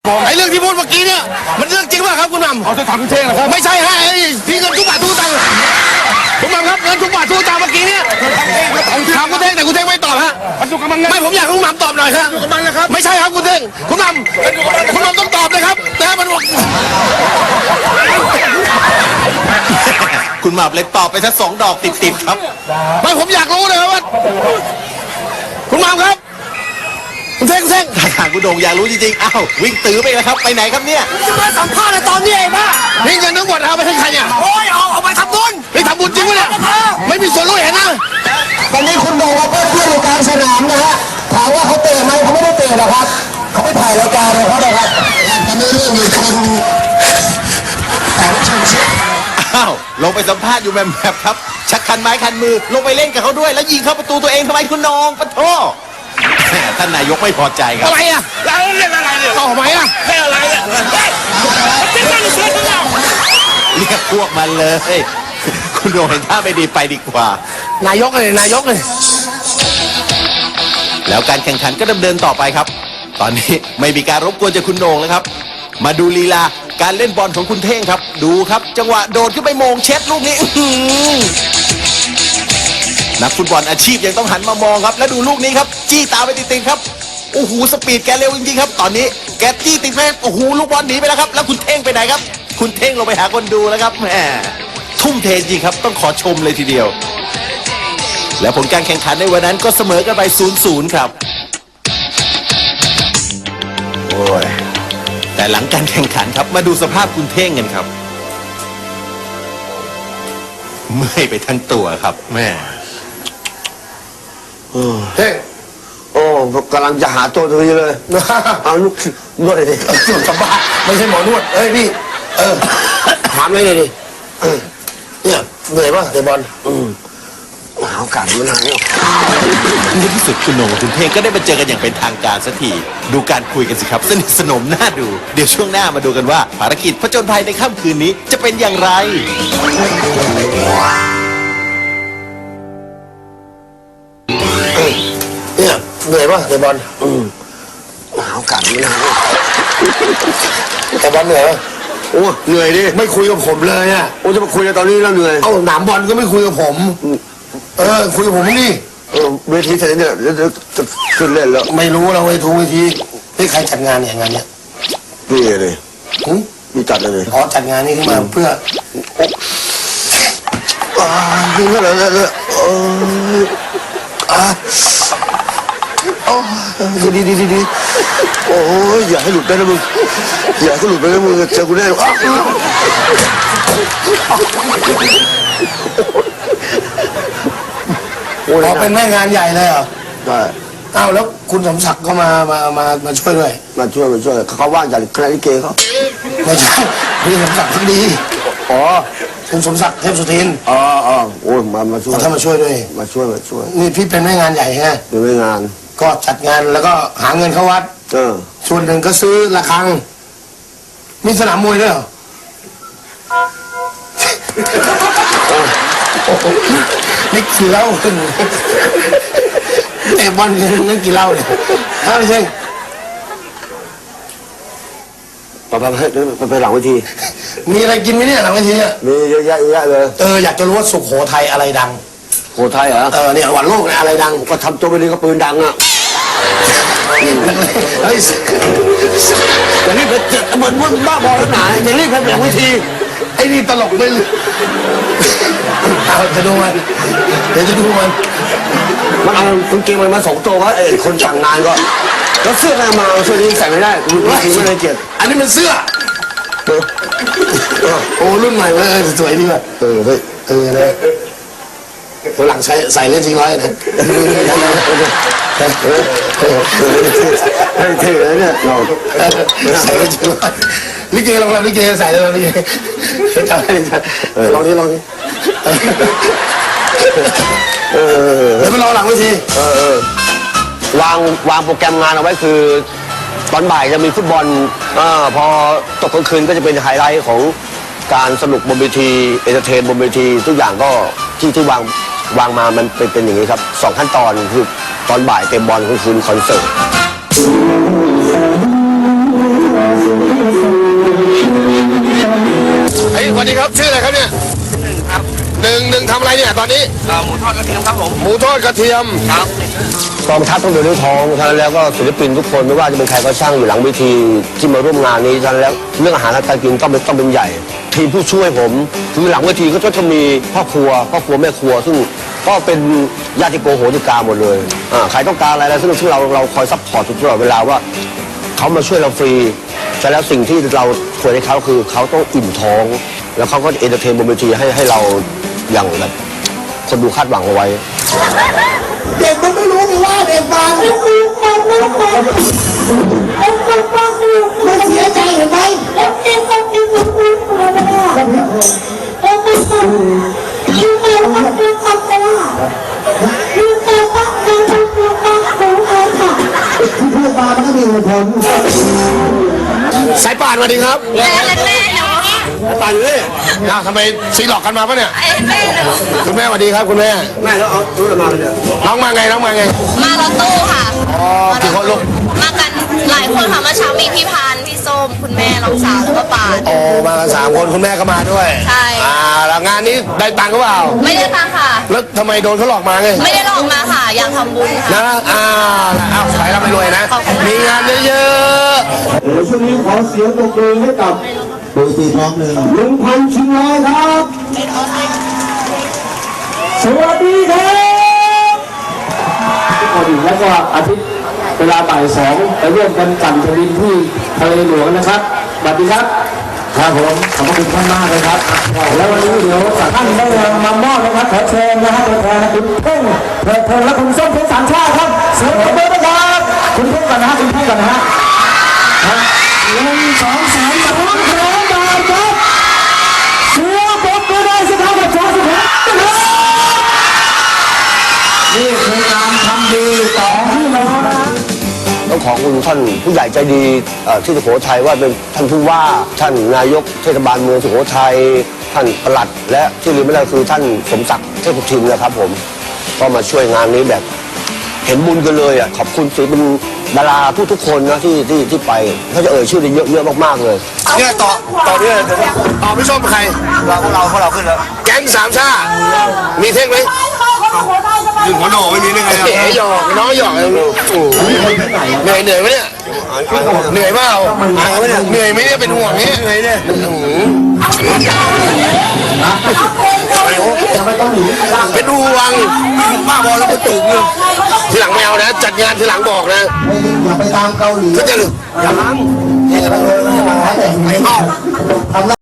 ไอ้เรื่องที่พูดเมื่อกี้เนี่ยมันเรื่องจริงป่ะครับคุณหม่ำเอาจะถามคุณเท่งเหรอครับไม่ใช่ฮะพี่เงินทุกบาททุกตังค์คุณหม่ำครับเงินทุกบาททุกตังค์เมื่อกี้เนี่ยถามคุณเท่งแต่คุณเท่งไม่ตอบฮะมันอยู่กับมันไงไม่ผมอยากให้คุณหม่ำตอบหน่อยครับอยู่กับมันนะครับไม่ใช่ครับคุณเท่งคุณหม่ำต้องตอบเลยครับแต่มันคุณหม่ำเลยตอบไปสัก2 ดอกติดๆครับไม่ผมอยากรู้เลยครับว่าคุณหม่ำครับคุณเท่งทางคุณโด่งอยากรู้จริงๆอ้าววิ่งตื้อไปแล้วครับไปไหนครับเนี่ยจะมาสัมภาษณ์ในตอนนี้เองป่ะนี่เงินทั้งหมดเอาไปให้ใครเนี่ยโอ้ยเอาไปทำบุญไปทำบุญจริงปะเนี่ยไม่มีส่วนรู้เห็นนะตอนนี้คุณโด่งกับเพื่อนอยู่กลางสนามนะฮะถามว่าเขาเตะไหมเขาไม่ได้เตะนะครับเขาไปถ่ายรายการเลยเขาเลยครับตอนนี้เรื่องมีคนแต่ไม่ใช่อ้าวลงไปสัมภาษณ์อยู่แบบครับชักคันไม้คันมือลงไปเล่นกับเขาด้วยแล้วยิงเข้าประตูตัวเองทำไมคุณน้องปะโถท่านนายกไม่พอใจครับอะไรอ่ะเราเล่นอะไรเนี่ยต่อไหมอ่ะเล่นอะไรอ่ะเรียกพวกมันเลยคุณโดงเห็นท่าไม่ดีไปดีกว่านายกเลยแล้วการแข่งขันก็ดำเนินต่อไปครับตอนนี้ไม่มีการรบกวนจากคุณโด่งแล้วครับมาดูลีลาการเล่นบอลของคุณเท่งครับดูครับจังหวะโดดขึ้นไปโมงเช็ดลูกนี้นักฟุตบอลอาชีพยังต้องหันมามองครับแล้วดูลูกนี้ครับจี้ตามไปติดๆครับโอ้โหสปีดแกเร็วจริงๆครับตอนนี้แกจี้ติดไปโอ้โหลูกบอลหนีไปแล้วครับแล้วคุณเท่งไปไหนครับคุณเท่งลงไปหาคนดูแล้วครับแหมทุ่มเทจริงครับต้องขอชมเลยทีเดียวและผลการแข่งขันในวันนั้นก็เสมอกันไป 0-0 ครับโอ้ยแต่หลังการแข่งขันครับมาดูสภาพคุณเท่งกันครับเมื่อยไปทั้งตัวครับแม่เฮ้โอ้กำลังจะหาตัวนี้เลยเอาลูกนวดเลยดินวดสบายไม่ใช่หมอนวดพี่ถามเลยดิเนี่ยเหนื่อยป่ะเตะบอลหาโอกาสมันหายในที่สุดคุณโหน่งกับคุณเท่งก็ได้มาเจอกันอย่างเป็นทางการสักทีดูการคุยกันสิครับสนิทสนมน่าดูเดี๋ยวช่วงหน้ามาดูกันว่าภารกิจผจญภัยในค่ำคืนนี้จะเป็นอย่างไรเนี่ยเหนื่อยป่ะเตะบอลหาโอกาสมันหายเตะบอลเหนื่อยป่ะโอ้เหนื่อยดิไม่คุยกับผมเลยอ่ะโอ้จะมาคุยกันตอนนี้แล้วเหนื่อยเอาหนามบอลก็ไม่คุยกับผมคุยกับผมนี่เวทีเสร็จเนี่ยจะขึ้นเล่นแล้วไม่รู้เราเวทีให้ใครจัดงานเนี่ยงานเนี้ยนี่เลยมีจัดเลยอ๋อจัดงานนี้ขึ้นมาเพื่อนี่ก็เลยดีโอ้ยอย่าให้หลุดไปนะมึงอย่าให้หลุดไปนะมึงเจอกูแน่เราเป็นแม่งานใหญ่เลยเหรอใช่อ้าวแล้วคุณสมศักดิ์ก็มาช่วยด้วยมาช่วยเขาว่างจากคณะลิเกเขาไม่ใช่พี่สมศักดิ์ทั้งดีอ๋อคุณสมศักดิ์เทพสุทินอ๋อโอ้ยมาช่วยถ้ามาช่วยด้วยมาช่วยนี่พี่เป็นแม่งานใหญ่ไงเป็นแม่งานก็จัดงานแล้วก็หาเงินเข้าวัดส่วนหนึ่งก็ซื้อระฆังมีสนามมวยด้วยเหรอนี่กี่เหล้าแต่บอลนี่กี่เหล้าเนี่ยถ้าไม่ใช่ไปหลังเวทีมีอะไรกินไหมเนี่ยหลังเวทีเนี่ยมีเยอะแยะเลยอยากจะรู้ว่าสุโขทัยอะไรดังสุโขทัยเหรอเนี่ยวันโลกเนี่ยอะไรดังก็ทำตัวไปดีก็ปืนดังอ่ะเฮ้ยอย่างนี้เหมือนบ้าบอแล้วหนาอย่างนี้เป็นหลังเวทีไอ้นี่ตลกไม่เลยเอาจะดูมันเดี๋ยวจะดูมันเอาคุณเกงมันมา2 ตัวว่าคนสั่งงานก็แล้วเสื้ออะไรมาเสื้อนี้ใส่ไม่ได้คุณไม่ได้เกียรติอันนี้มันเสื้อโอ้รุ่นใหม่เลยสวยดีว่ะเลยตัวหลังใส่เล่นจริงร้อยนะเท่เลยเนี่ยใส่เล่นจริงร้อยลิเกลองลิเกใส่เลยลิเกจำได้ลองนี้แล้วไปรอหลังเวทีวางโปรแกรมงานเอาไว้คือตอนบ่ายจะมีฟุตบอลพอตกกลางคืนก็จะเป็นไฮไลท์ของการสนุกบนเวทีเอนเตอร์เทนบนเวทีทุกอย่างก็ที่วางมามันเป็นอย่างนี้ครับ2 ขั้นตอนคือตอนบ่ายเต็มบอลกลางคืนคอนเสิร์ตครับชื่ออะไรครับเนี่ยหนึ่งทำอะไรเนี่ยตอนนี้หมูทอดกระเทียมครับผมหมูทอดกระเทียมครับกองทัพต้องเดินด้วยท้องฉะนั้นแล้วก็ศิลปินทุกคนไม่ว่าจะเป็นใครก็ช่างอยู่หลังเวทีที่มาร่วมงานนี้ฉะนั้นแล้วเรื่องอาหารและการกินต้องเป็นใหญ่ ทีมผู้ช่วยผมคือหลังเวทีก็จะมีพ่อครัวแม่ครัวซึ่งก็เป็นญาติโกโหติกาหมดเลยใครต้องการอะไรซึ่งเราคอยซัพพอร์ตตลอดเวลาว่าเขามาช่วยเราฟรีแต่แล้วสิ่งที่เราควรให้เขาคือเขาต้องอิ่มท้อง แล้วเขาก็เอนเตอร์เทนบนเวทีให้เราอย่างแบบคนดูคาดหวังเอาไว้เด็กมันไม่รู้นี่ว่าเด็กฟังมันเสียใจเห็นไหมที่พูดมามันก็มีเหตุผลสายป่านสวัสดีครับแม่หนูป่านเลยทำไมซีหลอกกันมาปะเนี่ยแม่หนูคุณแม่สวัสดีครับคุณแม่แม่แล้วเอารู้มาเลยน้องมาไงมารถตู้ค่ะอ๋อกี่คนลูกมากันหลายคนค่ะเมื่อเช้ามีพี่พานพี่ส้มคุณแม่น้องสาวแล้วก็ป่านโอ้มากัน3 คนคุณแม่ก็มาด้วยใช่แล้วงานนี้ได้ตังค์หรือเปล่าไม่ได้ตังค่ะแล้วทำไมโดนเขาหลอกมาไงไม่ได้หลอกมาค่ะอยากทำบุญค่ะนะเอาขายเราไปรวยนะขอบคุณค่ะมีงานเยอะเดี๋ยวช่วงนี้ขอเสียงปรบมือให้กับโดยตีพร้อมเลย1,000 ชิงร้อยครับ สวัสดีครับทุกคนแล้วก็อาทิตย์เวลาบ่าย2ไปร่วมกันปั่นแผ่นดินที่ทะเลหลวงนะครับสวัสดีครับครับผมขอบคุณท่านมากเลยครับแล้ววันนี้เดี๋ยวท่านได้มามอบนะครับขอเชิญนะฮะตัวแทนคุณเพ่งและคุณส้มเพชรสามชาติครับเสียงปรบมือนะครับคุณเพ่งก่อนนะฮะคุณเพ่งก่อนนะฮะ 1 2 3 3 บาทครับเสียปรบมือได้สิครับประชาชนครับนี่คือการทำดีต่อพี่น้องนะต้องขอบคุณท่านผู้ใหญ่ใจดีที่สุโขทัยว่าเป็นท่านผู้ว่าท่านนายกเทศบาลเมืองสุโขทัยท่านปลัดและที่ลืมไม่ได้คือท่านสมศักดิ์เทพทิมนะครับผมก็มาช่วยงานนี้แบบเห็นบุญกันเลยขอบคุณศิลปินดาราทุกคนนะที่ไปเขาจะเอ่ยชื่อได้เยอะมากๆเลยๆเนี่ยต่อเนี่ยต่อพี่ส้มใครพวกเราขึ้นแล้วแก๊งสามชาติมีเท่งไหมยืนหัวโหนไม่มีได้ไงเอ๋หยอกน้องหยอกเหนื่อยไหมเนี่ยเหนื่อยเปล่าเหนื่อยไหมเนี่ยเป็นห่วงเนี่ยเหนื่อยเนี่ยเป็นห่วงบ้าบอลแล้วก็ตื่นเลยทีหลังไม่เอานะจัดงานทีหลังบอกนะอย่าไปตามเกาหลีก็จะอย่าล้างอย่าไปเลยไม่ให้มาหาแต่ไม่เอา